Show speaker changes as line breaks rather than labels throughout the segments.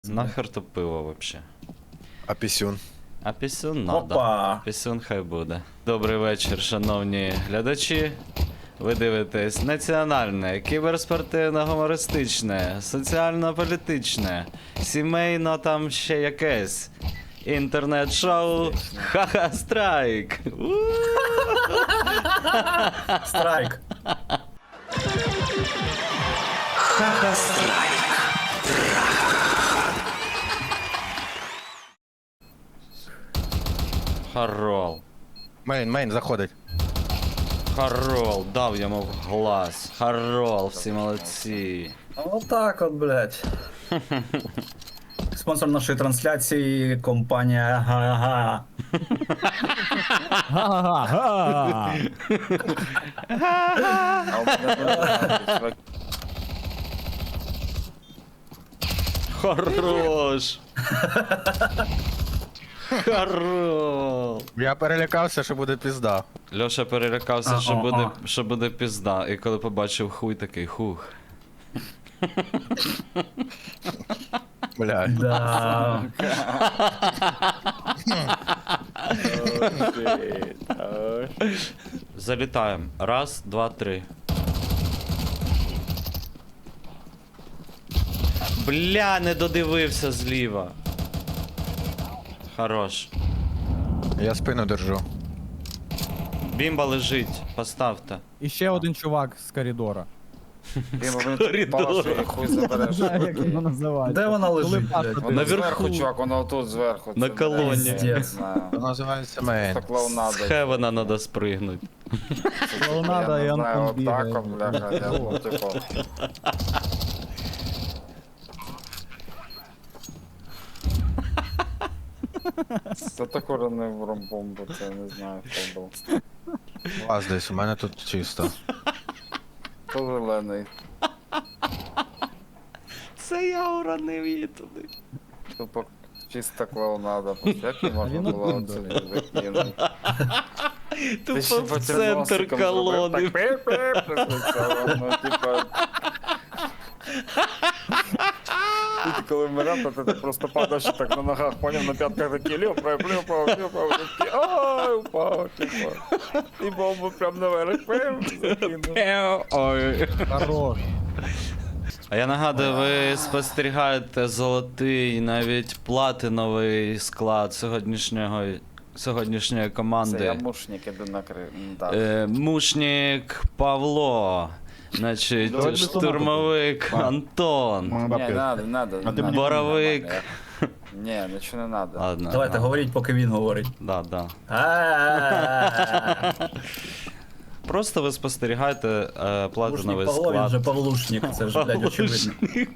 Нахер то пиво вообще.
А пісюн?
А пісюн надо.
Опа!
Пісюн хай буде. Добрий вечір, шановні глядачі. Ви дивитесь національне, кіберспортивно-гумористичне, соціально-політичне, сімейно там ще якесь. Інтернет-шоу Ха-ха Страйк.
Страйк!
Харол.
Мейн, заходить.
Харол, дав йому в глаз. Харол, всі молодці.
Отак от, блядь. Спонсор нашої трансляції компанія Га-га.
Га-га-га!
Хорош. Харол.
Я перелякався, що буде пізда.
Льоша перелякався,
А,
що
а,
буде,
а.
що буде пізда. І коли побачив хуй, такий хух.
Бля.
Да.
Залітаємо. Раз, два, три. Бля, не додивився зліва. Хорош.
Я спину держу.
Бімба лежить, поставте.
І ще один чувак з коридора.
Коридор.
Хуй забереш.
Знаю, як його називати.
Де вона лежить,
Коли
блядь?
паспорт
Вона
Наверху.
зверху, чувак, вона отут зверху.
На
Це,
колоні.
блядь, Не
Пиздец.
знаю.
Це називається мейн.
Це клоунада.
З Хевена надо спригнути.
Клоунада, і
Я не знаю,
Антон бігає.
отак, бляха, я, ну, типу. Це так уронив ромбомбу, це я не знаю, хто був.
У вас десь, у мене тут чисто.
То зелений.
Це я уронив її туди.
Тупо чиста клоунада. Як її можна
він
було
один,
оце закинути? Ти ще
Тупо в
потім
центр
носиком зробив,
колони.
так пип-пип, присвічало, ну, типа... І коли вмирав, то ти просто падаєш і так на ногах, поняв, на п'ятках такі льопав, такі, ой, упав, типа. І бомбу прям наверх, закинув.
Ой.
Хорош.
А я нагадую, ви спостерігаєте золотий, навіть платиновий склад сьогоднішньої
Це я
команди.
мушник іду накрив. Да.
Мушник Павло, значить,
Давай
штурмовик Антон,
Не, надо.
боровик.
Ні, нічого не надо.
Ладно.
Давайте говоріть, поки він говорить.
Да.
А-а-а.
Просто ви спостерігаєте платиновий
Павло, він
склад.
же Павлушник, це ж, блядь, очевидно.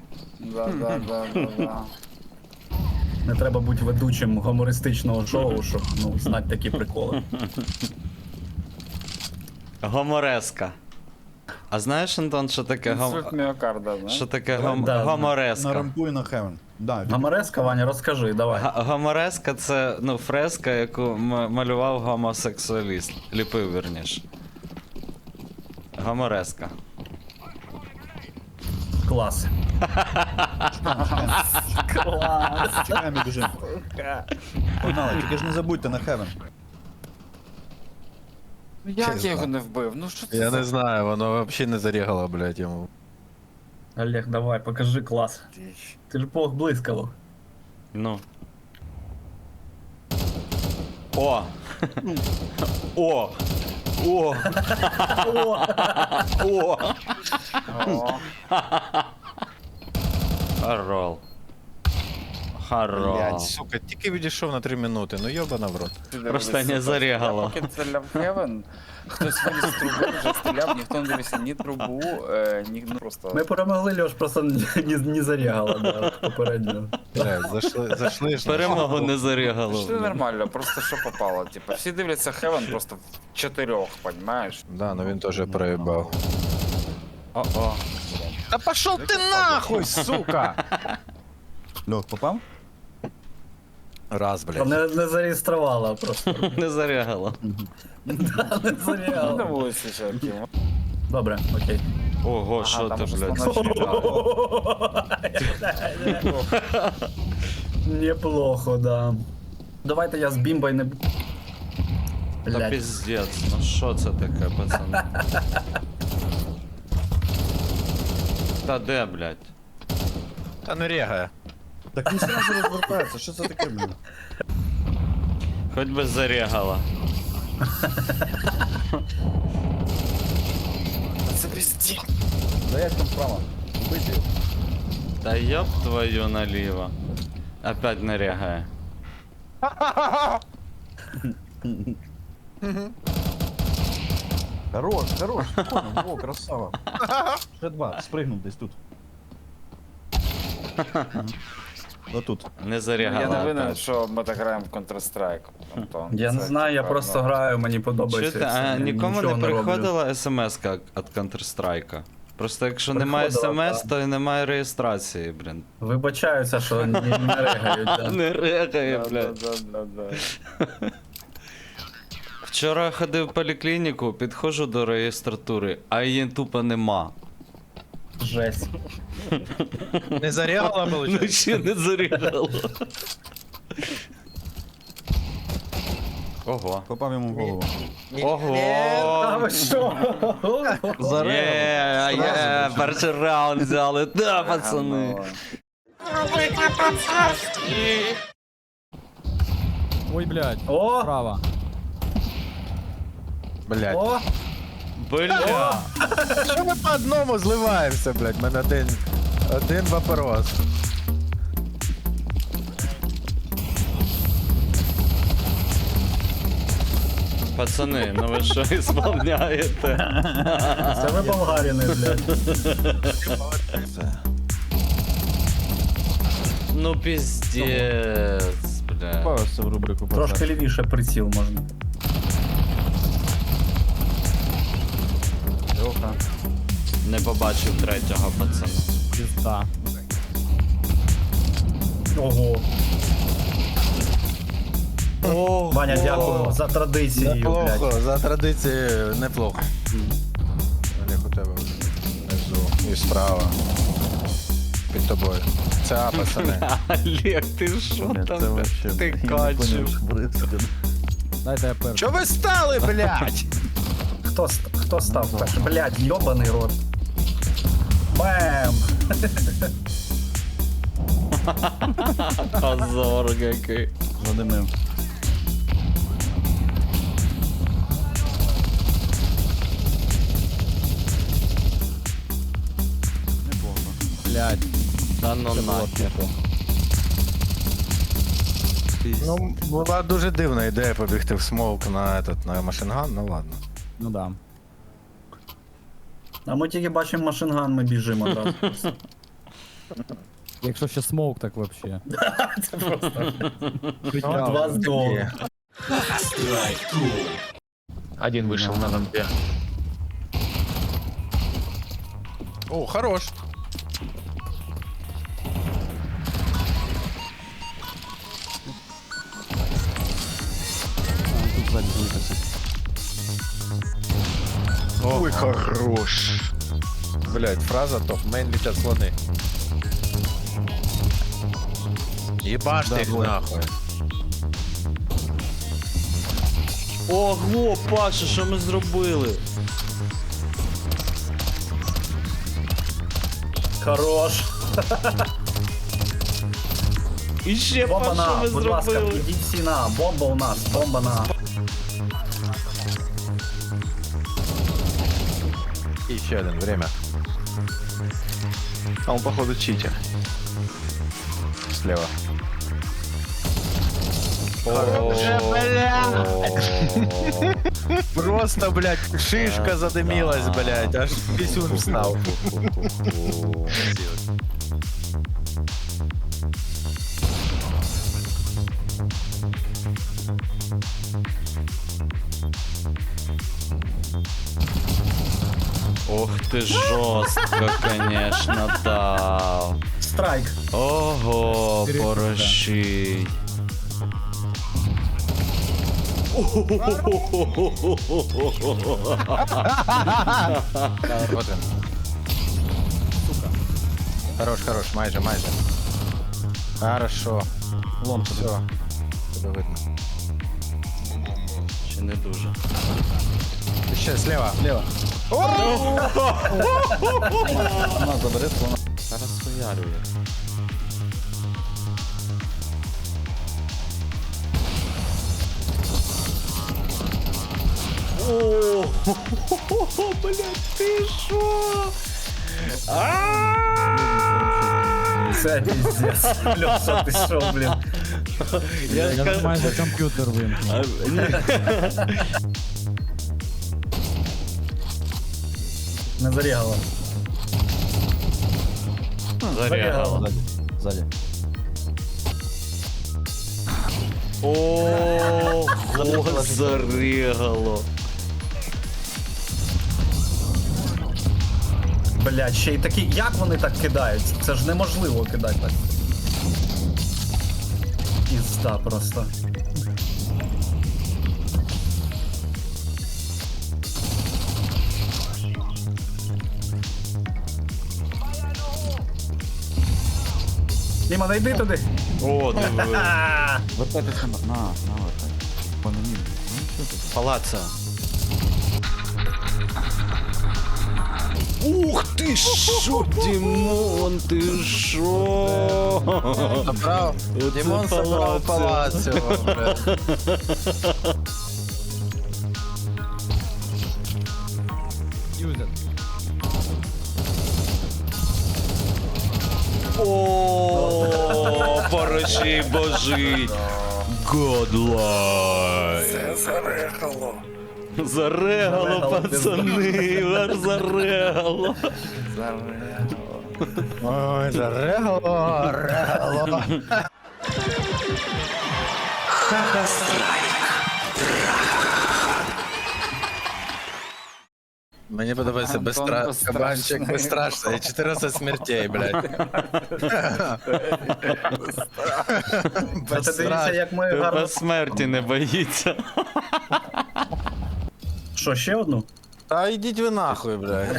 Да.
Не треба бути ведучим гумористичного шоу, щоб, ну, знати такі приколи.
Гомореска. А знаєш, Антон, що таке
Інсульт міокарда, знаєш?
що таке
Да.
гомореска?
Нарампуй на Хевен. Да,
Гамареска, Ваня, розкажи, давай.
Гомореска це фреска, яку малював гомосексуаліст. Ліпив, вірніше. Гомореска.
Клас.
чекаємо і біжимо. Погнали, тільки ж не забудьте на Хевен.
Як я його не вбив? Ну що це
Я
за
не знаю, воно взагалі не зарігало, блядь, йому.
Олег, давай, покажи клас.
діч?
Ти ж бог блискавок.
Ну. О! О! О! О!
О,
Харол. Харол.
Блядь, сука, тільки відійшов на 3 минути, ну йобана в рот.
ти
Просто
дивись,
не
сука,
зарягало.
Я поки стріляв в Хевен, хтось виліз з труби, вже стріляв, ніхто не дивився ні трубу, ні, ну просто...
Ми перемогли, Льош, просто не зарягала, да, попередньо.
Блядь, зайшли ж.
Перемогу не зарягало.
Що нормально, просто що попало, типа, всі дивляться Хевен просто в 4, понімаєш?
Да, ну він теж проїбав.
О-о.
Та пошов ти нахуй, сука!
Льох, попав?
Раз, блядь.
Не зареєструвала просто.
Не зарягало.
Не
На
зарягала.
вулиці ще Кімо.
Добре, окей.
Ого, що
там
ти,
уже
блядь?
Неплохо, да. Давайте я з бімбой не...
Та
Блядь.
піздець, ну що це таке, пацани? Та де, блядь?
Та ну регає.
Так він сразу розвертається, що це таке, блін?
Хоч би зарягала.
Це пиздец.
Да як там справа? Убити його.
Та ёб твою наліво. Опять не рягає.
Хорош, хорош, спокійно, во, красава. Ще два, спригнув десь тут. Отут.
Не
Я
зарягала.
не винен,
опять.
що ми так граємо в Counter-Strike. Антон.
Я не
Це,
знаю, я
типа,
просто
ну,
граю, мені подобається.
Чуєте,
і все,
а
я
нікому
нічого
не
роблю.
приходила смс-ка від Counter-Strike? Просто якщо немає
Приходила,
смс,
так.
то і немає реєстрації, блін.
Вибачаюся, що не регають. Да.
Не рягає,
Да,
блядь.
да.
Вчора ходив в поліклініку, підходжу до реєстратури, а її тупо нема.
Жесть.
Не зарягала,
Ну
виходить?
ще не зарягало. Ого.
Попав йому в голову.
А
Ого!
ви що?
Є, перший раунд взяли, да, пацани.
Ой, блядь.
О,
Справа.
Блядь.
о,
Бля.
Що ми по одному зливаємося, блядь? У мене один вопрос.
Пацани, ну ви що ісполняєте?
це ви болгарини, блядь.
Ну піздець, бля.
Попався в рубрику
Трошки лівіше приціл можна.
Льоха.
Не побачив третього пацана.
Пізда.
Ого.
Ого.
Ваня, дякую за традицію,
Неплохо,
блядь.
за традицією неплохо. Олег у тебе внизу і справа. Під тобою. Це А, пацани.
Олег, ти що
Блядь,
там?
це вообще...
Ти
я не
качив.
поняв, що твориться.
Дайте я перший.
Чо ви стали, блядь?
Хто став перший? Блядь, йобаний рот. Бем!
Позор який.
Задимив. Неплохо.
Блядь.
Та ну нахер.
Ну, була дуже дивна ідея побігти в смоук на машинган, ну ладно.
Ну да.
А ми тільки бачимо машинган, ми біжимо одразу.
Якщо ще смоук, так вообще.
Це просто.
Ну,
Два з двох.
Один вышел на лампе.
О, хорош.
Тут ззаді витасить.
Ой, хорош. Блять, фраза топ, мейн летят слоны. Ебашь
Да,
ты их
двое.
нахуй.
Ого, Паша, що ми зробили?
Хорош.
І ще
Бомба
Паша,
на,
ми
будь ласка,
зробили.
ідіть всі на. Бомба у нас, бомба на.
И еще один, время.
А он походу читер.
Слева. Просто, блядь, шишка задымилась, блядь, аж писюн встал.
Ох ти жорстко, конечно, дав.
Страйк.
Ого, порощий.
Вот он. Хорош, хорош, майже. Хорошо.
Лом
Все. Тебе видно.
Чи не дуже?
Ще слева.
Лево. Вона забере слона.
Зараз хуярює. О, блядь, ти що?
Це піздець. Льоша, ти що, блін?
Я ж
Я
кажу-
майже комп'ютер вимкнув.
А, ні.
Не зарігало.
Зарягало.
Ззаді.
Ого, зарягало.
Блядь, ще й такі. Як вони так кидають? Це ж неможливо кидати так. Пізда просто. Діма, не йди туди.
О, диви.
А,
Вертайтеся на вертайтеся. По мені. Ну, що тут?
Палаца. Ух ти що, Дімон, ти що?
Забрав.
Оце
Дімон забрав
палаццо.
палацю. блядь.
Юзер.
О, порочий божий. Godlike. Зарегало, пацани, вар зарегало.
Ой, зарегало, регало. Мені подобається кабанчик безстрашний. 14 смертей, блядь.
Це ти дивіться, як ми гарно.
Тебе смерті не боїться.
Що, ще одну?
Та йдіть ви нахуй, блядь.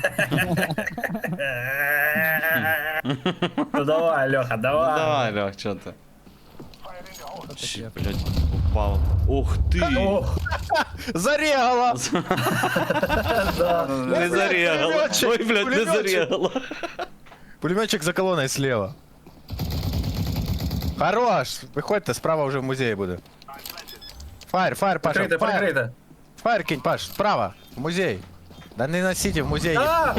Ну давай, Льоха, давай.
Давай, Льох, що ти? Чи, блядь, упав. Ух ти!
Ох,
Зарегало!
да.
Не зарегало.
пулеметчик,
Ой, блядь, не
пулеметчик.
зарегало.
Пулеметчик за колоною слева. Хорош! Виходьте, справа вже в музеї буде. Фаєр, Паша,
Прикрийте,
фаєр.
прикрийте.
Фаєр кинь, Паш, справа, в музей. Да не на сіті, в музеї.
А!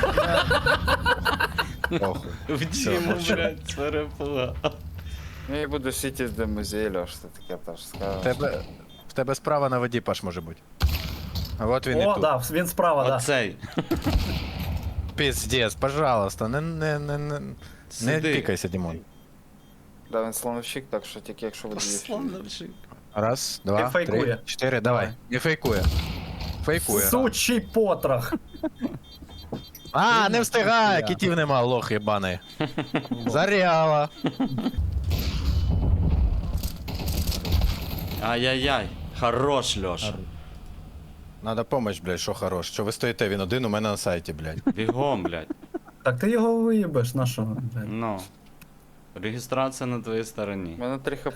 Похуй.
В Діму, блядь, перепугав.
Ну я буду сіті до музею, Льош, ти таке теж скажеш.
В тебе справа на воді, Паш, може бути. А от він і
О,
тут.
да, він справа, да.
Оцей.
Пиздец, пожалуйста, не
Сиди.
пікайся, Дімон.
Да, він слоновщик, так що тільки якщо ви
Слоновчик.
Раз, два,
Не фейкує.
три, чотири, давай. Не фейкує. Фейкує.
Сучий потрох.
А, не встигає, кітів нема, лох єбаний. Заряла.
Ай-яй-яй. Хорош, Льоша.
Надо помощь, блядь, що хорош. Що ви стоїте, він один у мене на сайті, блядь.
Бігом, блядь.
Так ти його виїбеш, на що? блядь?
Ну. Реєстрація на твоїй стороні.
У мене 3 хп.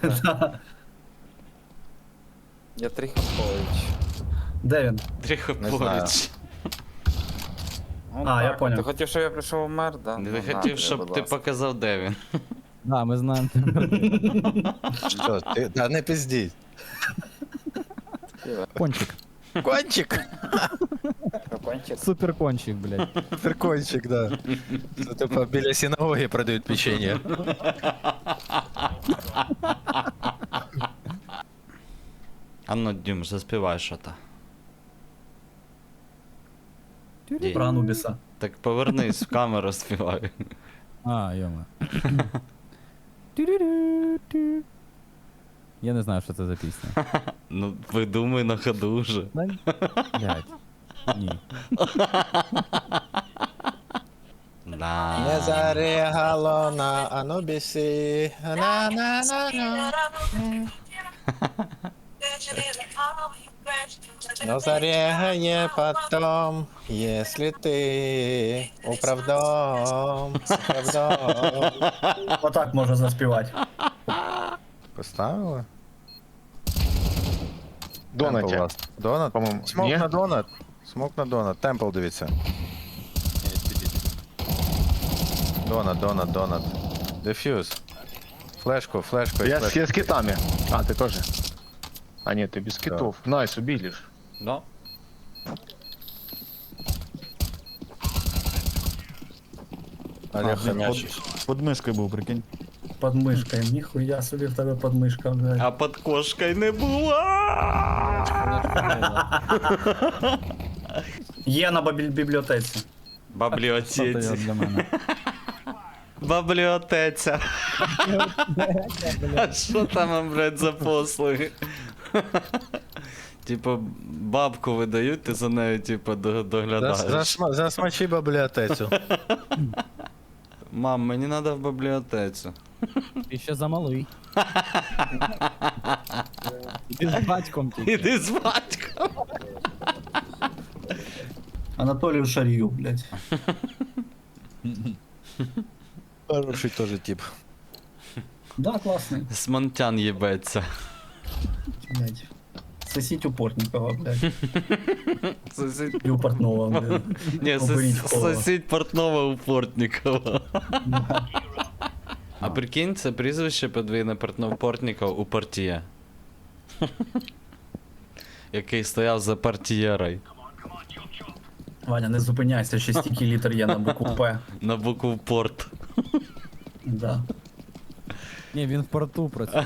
Я 3 хпович.
Де він?
Трохи
Не знаю.
поруч.
А, я поняв.
Ти хотів, щоб я прийшов вмер, да?
Не
Ну, на
хотів,
тобі,
щоб
будь
ти
ласка.
показав, де він.
Да, ми знаємо.
Що, ти, да не пиздіть.
Кончик.
Кончик!
Капанчик.
Супер кончик, блядь.
Кончик, да. Це типа біля синагоги продають печенье.
А ну, Дім, заспівай що-то. Дім.
Про Анубіса.
Так повернись в камеру, співай.
А, йома. Я не знаю, що це за пісня.
Ну, видумай на ходу вже.
Блядь. Ні.
Да.
Не зарегало на Анубісі. На-на-на-на. Но зарегає потом, если ты управдом.
Отак можна заспівати.
Поставила?
Донаті.
Донат?
По-моєму,
Смок
ні?
на донат. Смок на донат. Темпл дивіться. Донат. Дефьюз. Флешку і
Я
флешку.
с китами. А, ты тоже? А нет, ты без китов. Найс, убили ж.
Да.
Олег Хомячий.
Під мишкою був, прикинь.
Под мишкою. Ніхуя собі в тебе подмишка, блядь.
А під кошкою не була.
Є на бібліотеці.
Що
Бібліотеці.
для мене?
Бібліотеця. А що там, блядь, за послуги? Типа, бабку видають, ти за нею, типа, доглядаєш.
Засмачи бібліотецю.
Мам, мені треба в бібліотецю.
Ти ще замалий. Ти з батьком тільки.
Іди з батьком.
Анатолію Шарію, блядь.
Хороший теж тип.
Да, класний.
Смонтян їбеться.
Блядь. Сосіть у Портнікова, блядь.
Сусід...
І у Портнова, блядь.
Ні,
Оберіть кого.
сусід Портнова у Портнікова. А прикинь, це прізвище подвійне Портнов-Портніков у Портіє. Який стояв за портієрою.
Ваня, не зупиняйся, ще стільки літер є на букву П.
На букву Порт.
Да.
Ні, він в порту працював.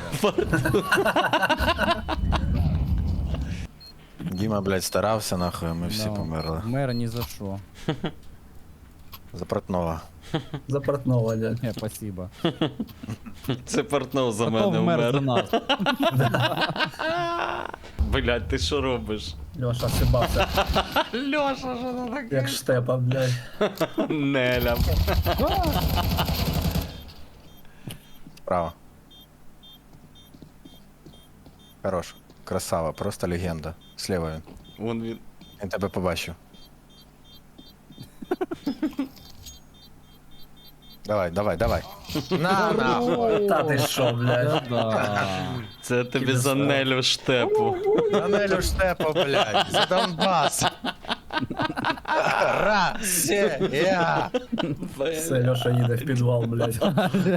Діма, блядь, старався нахуй, ми всі
Да.
померли.
Мер ні за що.
За Портнова.
За Портнова, дядь.
Ні, спасибо.
Це Портнов за
Потом
мене
мер за
вмер.
нас.
Блядь, ти що робиш?
Льоша сибався,
Льоша, що це таке?
як штепа, блядь.
Неля.
Справа. Хорош. Красава, просто легенда. Слева він.
Вон він.
Я тебе побачив. Давай. На, нахуй.
Та ти що, блядь.
Да.
Це тобі за Нелю штепу.
За Нелю Штепа, блядь. За Донбас. Россия.
Все, Льоша їде в підвал, блядь.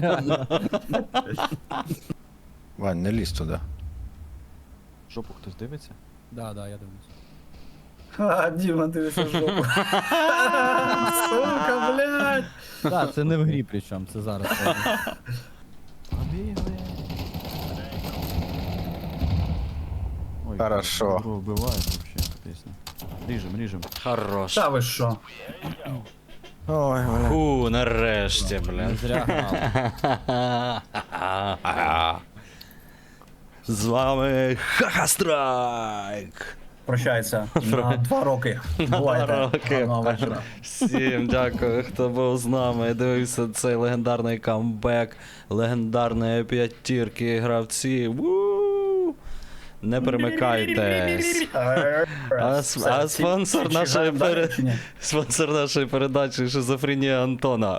Вань, не лізь туди.
Жопу хтось дивиться?
Да, я дивлюсь.
А, Діма, дивися в жопу. Сука, блядь.
Так, це не в грі причому, це зараз.
Ой,
Хорошо.
Добро вбивають вообще, пісня. Ріжем.
Хорош.
Та ви що?
Ой, блядь.
Фу, нарешті,
Не
блядь.
зря грав.
З вами Хахастрайк.
Прощається на 2 роки. Бувайте.
роки.
Гарного вечора.
Всім дякую, хто був з нами. Дивився цей легендарний камбек, легендарної п'ятірки гравців. Ву! Не перемикайтесь. А спонсор нашої спонсор нашої передачі Шизофренія Антона.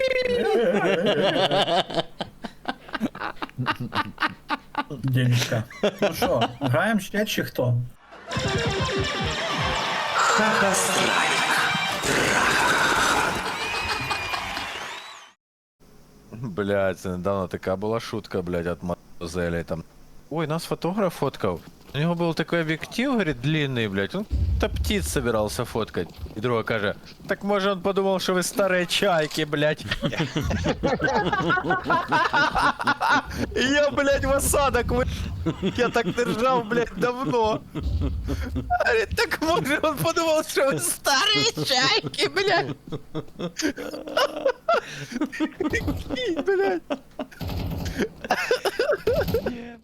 Денечка. Ну що, граємо ще чи хто?
Блядь, це недавно така була шутка, блядь, от Мазелі там. Ой, нас фотограф фоткав. У нього був такий об'єктив, говорит, длинний, блядь. Он та птиц собирался фоткать. І друга каже, так може он подумав, що ви старі чайки, блядь. І я, блядь, в осадок я так держав, блядь, давно. Говорит, так може он подумав, що ви старі чайки, блядь. Блядь.